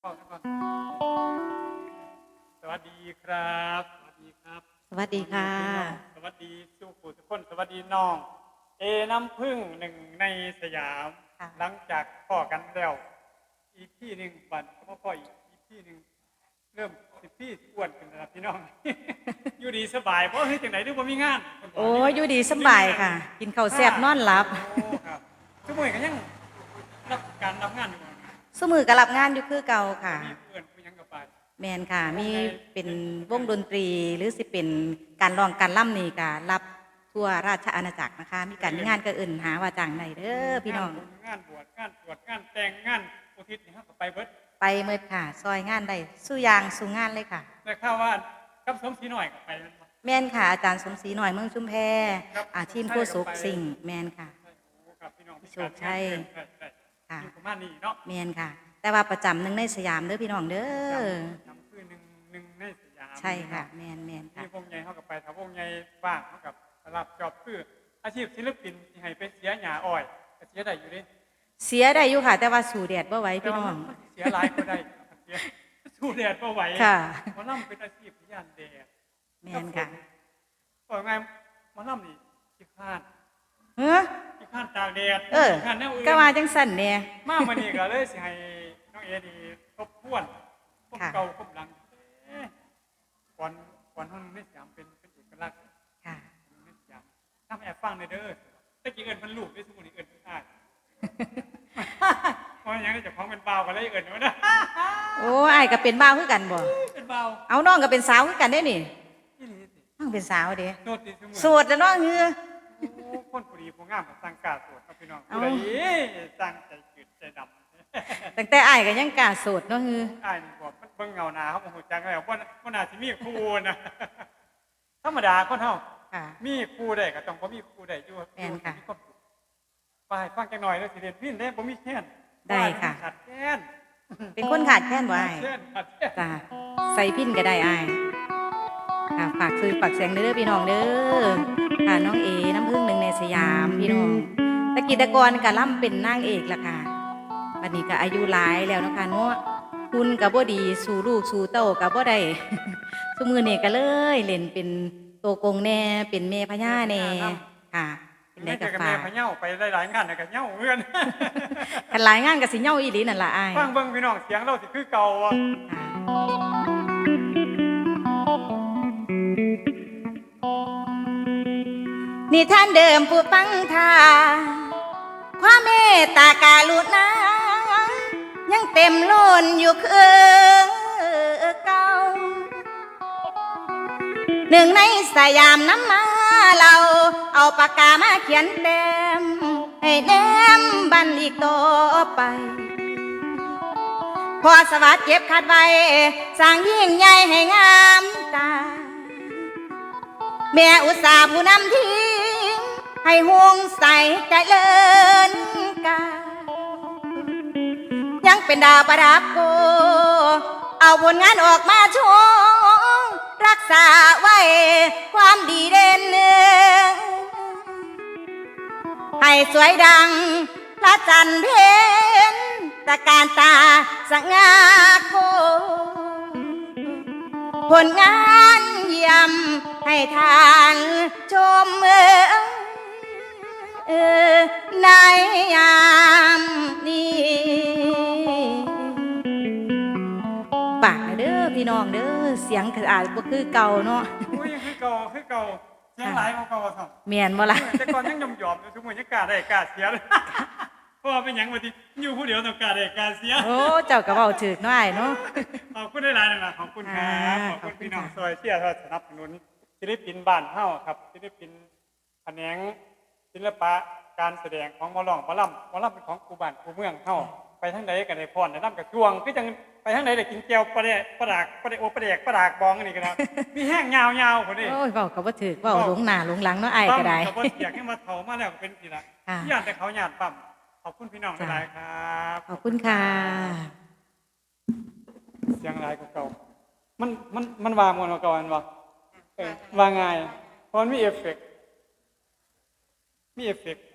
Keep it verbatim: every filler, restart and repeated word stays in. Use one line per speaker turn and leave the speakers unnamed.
สวัสดีครับสวัสดีครับ
สวัสดีค่ะ
สวัสดีสู้ผู้ทุกคนสวัสดีน้องเอน้ำพึ่งหนึ่งในสยามหลังจากพ่อกันแล้วอีกที่หนึ่งบันพ่อพ่ออีกอีกที่หนึ่งเริ่มสิบพี่อ้วนขึ้นแล้วพี่น้อง อยู่ดีสบายเพราะที่จังไหนดูว่ามีงาน
โอ้อยู่ดีสบายค่ะ กินข้าวแซ่บนอนหลับ
ทุกมือกันยังรับการรับงานอยู่
สมือก็รับงานอยู่คือเก่าค่ะ
มีเพื่อนผู้ยังกับไป
แมนค่ะมีเป็นวงดนตรีหรือสิเป็นการร้องการล่ำนี่ก็รับทั่วราชอาณาจักรนะคะมีการมีงานก็อื่นหาว่าจ้างไหนเด้อพี่น้อง
งานบวชงานตรวจงานแต่งงานอุทิศนี่ครับไปเบิด
ไปเมื่อค่ะซอยงานได้สู้ยางสู้งานเลยค่ะ
แต่ข้าวว่ากับสมศรีหน่อยกับไป
แมนค่ะอาจารย์สมศรีหน่อยเมืองชุมแพอาชีพโคสุกสิ่งแมนค่ะโชคชัยค่ะแมนค่ะแต่ว่าประจำหนึ่งในสยามเด้อพี่น้องเด้อ
จำคือหนึ่งหนึ่งในสยาม
ใช่ค่ะแมนแมนค่ะ
มีวงใหญ่เขากับไปถ้าวงใหญ่บ้างเขากับรับจอบคืออาชีพศิลปินที่ให้ไปเสียหยาอ้อยเสียได้อยู่ดิ
เสียได้อยู่ค่ะแต่ว่าสู่แดดบ่ไหวพี่น้อง
เสียหลายก็ได้สู่แดดบ่ไหว
ค่ะ
มาล่ำเป็นอาชีพย่านแดด
แมนค่ะ
บอกไงมาล่ำนี่ขี้ข้าน
เฮ้อ
ขี้ข้านตากแดด
เออก็มาจังสั่นเนี่ย
มากมานี่ก็เลยสิให้น้องเอดีทบทวนพบเก่าพบหลังก่อนก่อนห้องไม่สยามเป็นเป็นเอกลักษณ์
ค่ะ
ไม่สยามถ้าแอบฟังในเด้อตะกี้เอิญมันลูกได้สมุนเอิญได้เพราะอย่างนี้จะพ้องเป็นเบากันเลยเอิญวะนะ
โอ้ไอ้ก็เป็นบ่าวคือกันบ่
เป็นเบา
เอาน้องก็เป็นสาวคือกันได้นี่น้องเป็นสาวเด้โสดแล้วน้องเฮือ
คนผู้ดีผู้งามตั้งกาโสดครับพี่น้องผู้ใดตั้งใจจืดใจดำ
ตั้งแต่ไอ้ก็ยังกาโสดเนาะฮือ
ไอ้นี่บอกมันเบิ่งเงาหนาเขาบอกหัวใจแล้วว่าว่านาที่มีครูนะธรรมดาคนเฮามีครูได้ก็ต้องบ่มีครูได้อยู่
แม่นค่ะ
ไปฟังจังหน่อยแล้วสิเรียนพินได้บ่มีแค้น
ได้ค่ะ
ขาดแค้น
เป็นคนขาดแค้นบ่ไอ้จ้าใส่พินก็ได้ไอ้ค่ะฝากซื้อฝากเสียงเด้อพี่น้องเด้อค่ะน้องเอน้ำพึ่งหนึ่งในสยามพี่น้องตะกี้ตะกอนกะล่ำเป็นนางเอกล่ะค่ะบัดนี้ก็อายุหลายแล้วนะคะเนาะคุณกับบ่ดีสู่ลูกสู่เต้ากับบ่ได้สมือนี่ก็เลยเล่นเป็นโตกงแน่เป็นเมพญาแน่ค่ะเป็นได้กับ
ฝากเมพญาไปหลายๆงานกับเน่าเอื้อน
กันหลายงานกับสิเน่าอีหลีนั่นล่ะอ้าย
ฟังเบิ่งพี่น้องเสียงเราสิคือเก่าอ่ะ
นี่ท่านเดิมผู้ฟังทาความเมตตาการุณายังเต็มล้นอยู่คือเก่าหนึ่งในสยามน้ำมาเราเอาปากกามาเขียนเต็มให้แนมบันอีกต่อไปพอสวัสดิ์เก็บขัดไว้สร้างยิ่งใหญ่ให้งามตาแม่อุตสาห์ผู้นำทิ้งให้ห่วงใส่ใจเลินกายังเป็นดาวประดับโกเอาผลงานออกมาโชว์รักษาไว้ความดีเด่นให้สวยดังพระจันทร์เพ็ญตะการตาสง่าโคผลงานเยี่ยมให้ทานชมเออในยามนี้ปากเด้อพี่น้องเด้อเสียงอาจบ่คือเก่าเนาะ
อุ้ยคือเก่าคือเก่าเสียงหลายเก่าๆครับ
แม่นบ่ล่ะ
แต่ก่อนยังยอมๆอยู่ทุกมื้อยังกล้าได้กล้าเสียเลยเพราะว่าเป็นหยังว่าที่อยู่ผู้เดียวต้องกล้าได้กล้าเสีย
โอ้เจ้าก็เว้าถูกเนาะอ้ายเนาะ
ขอบคุณหลายๆนะขอบคุณครับขอบคุณพี่น้องซอยเชียร์สนับสนุนศิลปินบ้านเฮาครับศิลปินแขนงศิลปะการแสดงของหมอลองหมอลำหมอลำเป็นของครูบ้านครูเมืองเฮาไปทางใดก็ได้พรได้นำกับช่วงคือจังไปทางใดได้กินแก้วปลาแดกปลาดากปลาแดกโอปลาแดกปลาดากบองนี่ก็ได้มีแห้งยาวๆพุ่นนี่
โอ้ยเว้าก็บ่ถูกเว้าหลงหน้าหลงหลังเนาะอ้ายก็ได้
ก็บ่อยากให้มาเฒ่ามาแล้วก็เป็นสิล่ะย่านแต่เขาย่านปั๊มขอบคุณพี่น้องหลายๆครับ
ขอบคุณค่ะ
เสียงหลายกว่าเก่ามันมันมันวางมวนกว่าเก่าอันบ่เออวางง่ายเพราะมันมีเอฟเฟกต์มีเอฟเฟกต์